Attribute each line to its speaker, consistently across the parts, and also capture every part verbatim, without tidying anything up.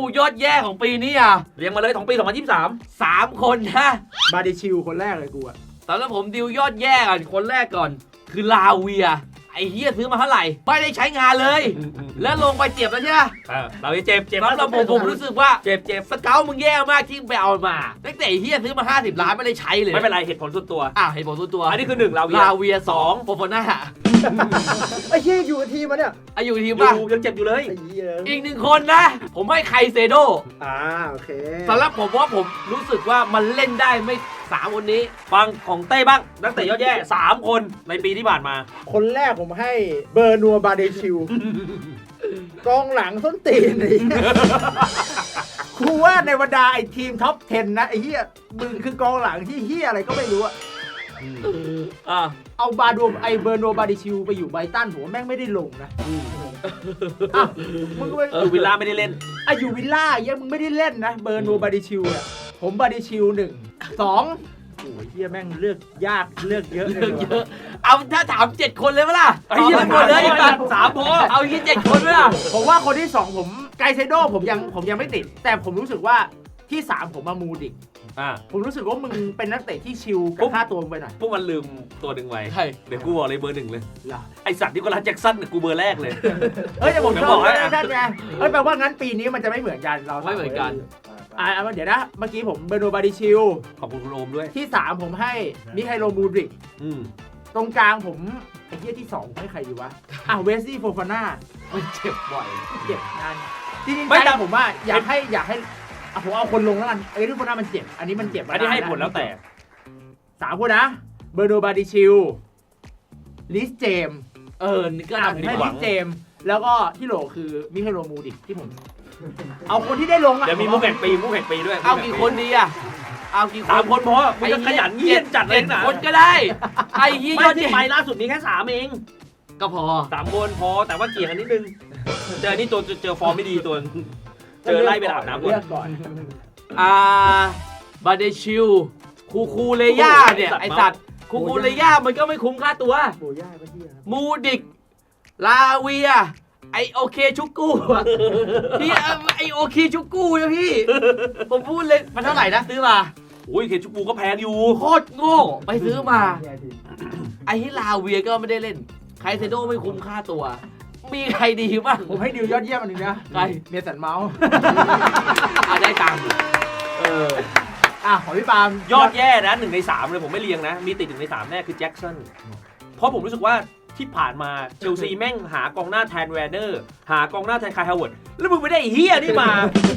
Speaker 1: ยอดแย่ของปีนี้อ่ะ
Speaker 2: เรียงมาเลยของปีสองพันยี่สิบสาม
Speaker 1: สามคนนะ
Speaker 3: บาร์ดิชิลคนแรกเลยกูอะ
Speaker 1: ตอนนั้นผมดิวยอดแย่ก่อนคนแรกก่อน คือลาเวียไอ้เฮียซื้อมาเท่าไหร่ไม่ได้ใช้งานเลย แล้วลงไปเจ็บแล้วใช่ไหม
Speaker 2: เราจะเจ็บเจ็บ
Speaker 1: แล้วผมผมรู้สึกว่า
Speaker 2: เจ็บเจ็บ
Speaker 1: สเกลมึงแย่มากที่ไปเอามาตั้งแต่เฮียซื้อมาห้าสิบล้านไม่ได้ใช้เลย
Speaker 2: ไม่เป็นไรเหตุผลส่วนตัว
Speaker 1: อ้าวเห็นผมส่วนตัว
Speaker 2: อันนี้คือหนึ่งเรา
Speaker 1: ลาเวียสองโฟโฟน่า
Speaker 3: ไอ้เหี้ยอยู่กับทีมมันเนี่ย
Speaker 1: อายุทีม
Speaker 2: อ
Speaker 1: ป่ะ
Speaker 2: ยู่ยังเจ็บอยู่เลย
Speaker 3: ไอ้เหี้ย
Speaker 1: อีกหนึ่งคนนะ ผมให้ไคเซโด
Speaker 3: อ่าโอเค
Speaker 1: สำหรับผมว่าผมรู้สึกว่ามันเล่นได้ไม่สามคนนี้
Speaker 2: ฟังของเต้บ้างนักเตะยอดแย่สามคนในปีที่ผ่านมา
Speaker 3: คนแรกผมให้เบอร์นัวบาร์ดิชิล กองหลังส้นตีนไอ้เหี้ยกูว่าในบรรดาไอ้ทีมท็อปสิบนะไอ้เหี้ยมึงคือกองหลังที่เหี้ยอะไรก็ไม่รู้อะ
Speaker 1: อ่า
Speaker 3: เอาบาร์ดวไอเบอร์นัวบาร์ดิชิลไปอยู่ไบรตันผมว่าแม่งไม่ได้ลงนะอ้าวมึงก็ไป
Speaker 2: อยู่วิลล่าไม่ได้เล่น
Speaker 3: อ่ะอยู่วิลล่าไอ้เหี้ยมึงไม่ได้เล่นนะเบอร์นัวบาร์ดิชิลเนี่ยผมบาร์ดิชิลหนึ่งสองโอ้ยเหี้ยแม่งเลือกยากเลือกเยอะ
Speaker 1: เรื่องเยอะ เอาถ้าถามเจ็ดคนเลยไหมล่ะ
Speaker 2: ไอ้เหี้ย
Speaker 1: อาหมดเลย
Speaker 2: สามสามพอ
Speaker 1: เอายี่เจ็ดคนไหมล่ะ
Speaker 3: ผมว่าคนที่สองผมไกเซโดผมยังผมยังไม่ติด แต่ผมรู้สึกว่าที่สามผมมามูดิก
Speaker 2: อ่า
Speaker 3: ผมรู้สึกว่ามึงเป็นนักเตะที่ชิล
Speaker 2: ปุ๊
Speaker 3: กับบ ค่าตัวมึงไปหน่อย
Speaker 2: พวกมันลืมตัวหนึ่งไว้
Speaker 1: ใช่
Speaker 2: เดี๋ยวกูบอกเลยเบอร์หนึ่งเลย
Speaker 3: เหรอ
Speaker 2: ไอสัตว์ที่ก็รักแจ็คสันเนี่ยกูเบอร์แรกเลย
Speaker 3: เอ้ยแต่ผม
Speaker 2: เดี๋
Speaker 3: ช
Speaker 2: ยว
Speaker 3: อ
Speaker 2: บบ อกให้
Speaker 3: นั่นไงเอ้ยแปลว่างั้นปีนี้มันจะไม่เหมือนกันเรา
Speaker 1: ไม่เหมือนกัน
Speaker 3: อ่าเดี๋ยวนะเมื่อกี้ผมเบอร์โนบาดิชิล
Speaker 2: ขอบคุณคุณโอมด้วย
Speaker 3: ที่สามผมให้มิไคโลมูดริก
Speaker 2: อืม
Speaker 3: ตรงกลางผมไอ้เหี้ยที่สองผมให้ใครอยู่วะอ่ะเวสซี่โฟฟาน่า
Speaker 1: มันเจ็บบ่อย
Speaker 3: เจ็บนานจริงๆใจผมว่าอยากให้อยากให้อ่ะผมเอาคนลงแล้วกันไอ้ที่โฟฟาน่ามันเจ็บอันนี้มันเจ็บมา
Speaker 2: อันนี้ให้
Speaker 3: า
Speaker 2: ผลแล้วแต่
Speaker 3: สามคนนะเบอร์โนบาดิชิลลิสเจม
Speaker 1: เออนี่ก็
Speaker 3: อ่ะผม
Speaker 1: ทำดี
Speaker 3: ให้
Speaker 1: ก
Speaker 3: ลิ
Speaker 1: ว่า
Speaker 3: สเจม แล้วก็ที่โหลคือมิเคโลมูดิกที่ผม เอาคนที่ได้ลงอ่ะ
Speaker 2: เดี๋ยวมีมุกแห่งปีมุกแห่งปีด้วย
Speaker 1: เอากี่คนดีอ่ะ เอากี่คน
Speaker 2: สามคนพอมึงจะขยันเงียบจัดเลยนะ
Speaker 1: คนก็ได้ ไอ้ยี่ย
Speaker 2: ไม่
Speaker 1: อด
Speaker 2: ที่
Speaker 1: เยี่
Speaker 2: ไปล่าสุดนี้แค่สามเอง
Speaker 1: ก็พอ
Speaker 2: สามคนพอแต่ว่าเกี่ยงกันนิดนึง เจอนี่ตัวเจอฟอร์มไม่ดีตัว เจอไล่ไปอาบน้ำก่อน
Speaker 3: เลือกก่อน
Speaker 1: อ่า บาเดชิล คูคูเลย่าเนี่ย ไอสัตว์ คูคูเลย่ามันก็ไม่คุ้มค่าตัว
Speaker 3: โบย่าก็เที่ยครับ
Speaker 1: มูดิก ลาเวีย ไอโอเคชุกกู้อะพี่ไอโอเคชุกกู้นะพี่ ผมพูดเลย มันเท่าไหร่นะซื้อมา
Speaker 2: โอ้ยเคชูปูก็แพงอยู่
Speaker 1: โคตรโง่ไปซื้อมา ไอที่ลาเวียก็ไม่ได้เล่น ไคเซโดไม่คุ้มค่าตัว มีใครดีบ้าง
Speaker 3: ผมให้ดิวยอดเยี่ยมอันหนึงนะ
Speaker 1: ใคร
Speaker 3: เมียสันเมาส์
Speaker 1: อ่ะได้ตังค์
Speaker 2: เออ
Speaker 3: อ่ะของพี่ปาล์ม
Speaker 2: ยอดแย่นะหนึ่งในสามเลยผมไม่เรียงนะ มีติดหนึ่งในสามแน่คือแจ็คสันเพราะผมรู้สึกว่าที่ผ่านมาเชลซีแม่งหากองหน้าแทนแวนเนอร์ หากองหน้าแทนคายฮาวเวิร์ดแล้วมึงไม่ได้ไอ้เฮียนี่มา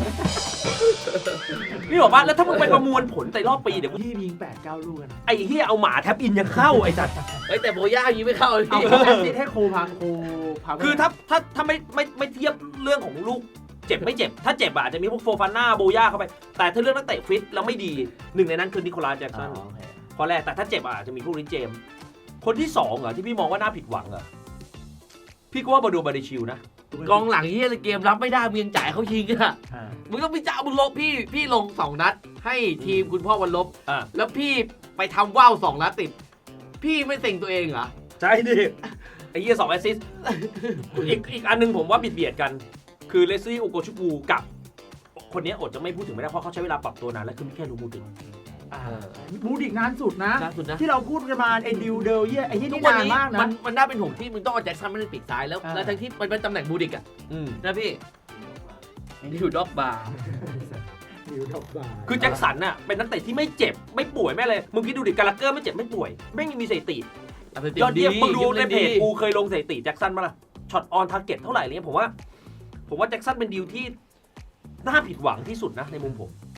Speaker 2: นี่บอกว่าแล้วถ้ามึงไปประมวลผลแต่รอบปีเดี๋ยว
Speaker 3: พี่ยิงแปดเก้าลูกกันนะ
Speaker 2: ไอ้เฮียเอาหมาแทบอินยังเข้าไอ้สัตว์
Speaker 1: เฮ้ยแต่โบย่ายิงไม่เข้าเลย
Speaker 3: เอา
Speaker 1: พี่
Speaker 3: แอสซิสต์ให้โคพังโคพัง
Speaker 2: คือถ้าถ้าถ้าไม่ไม่ไม่เทียบเรื่องของลูกเจ็บไม่เจ็บ ถ้าเจ็บอะอาจจะมีพวกโฟฟาน่าโบย่าเข้าไป แต่ถ้าเรื่องนักเตะฟิตแล้วไม่ดีหนึ่งในนั้นคือนิโคลัสแจ็คสันข้อแรกแต่ถ้าเจ็บอะอาจจะมีพวกริเจมส์คนที่สองเหรอที่พี่มองว่าน่าผิดหวังเหรอพี่ก็ว่าบาดูบาดิชิลนะ
Speaker 1: กองหลังเฮียเกมรับไม่ได้มึงยังจ่ายเขายิงอะ
Speaker 3: อ่า
Speaker 1: มึงต้องไปจ่ายมึงลบพี่พี่ลงสองนัด ให้ทีมคุณพ่อวันลบ
Speaker 2: อ่า
Speaker 1: แล้วพี่ไปทำว่าวสองนัดติด พี่ไม่เซ็งตัวเองเหรอ
Speaker 2: ใช่ดิไอ้เหี้ยสองแอสซิสต์อีกอีกอันหนึงผมว่าบิดเบียดกัน คือเลซี่โอโกชูปูกับ คนนี้อดจะไม่พูดถึงไม่ได้เพราะเขาใช้เวลาปรับตัวนานและคือมิแค่รู้มูดิ
Speaker 3: อ่าบูดิกนานสุดนะ
Speaker 1: ล่าสุดนะ
Speaker 3: ที่เราพูดกันมาไอ้ดิวเดลเยี่ยไอ้ที่
Speaker 1: ทุ
Speaker 3: นี่
Speaker 1: กวัน
Speaker 3: นาน
Speaker 1: นี้
Speaker 3: มาก
Speaker 1: มั
Speaker 3: นะ
Speaker 1: นมันน่าเป็นห่วงที่มึงต้องเอาแจ็คสันมาเล่นปีกซ้ายแล้ว
Speaker 3: อ่า
Speaker 1: แล้วทั้งที่มันเป็นตำแหน่งบูดิกอะ
Speaker 2: อืม
Speaker 1: นะพี่ดิวด็อกบาร์
Speaker 3: ดิวท็อปบาร์
Speaker 2: คือแจ็คสันน่ะเป็นนักเตะที่ไม่เจ็บไม่ป่วยไม่อะไรมึงคิดดูดิกาลาเกอร์ไม่เจ็บไม่ป่วยไม่มีสถิติยอดเยี่ยมมึงดูในเพจกูเคยลงสถิติแจ็คสันมาละช็อตออนทาร์เก็ตเท่าไหร่อะไรเงี้ยผมว่า ผมว่าแจ็คสันเป็นดีลที่น่าผิดหวังที่สุดนะในมุมผม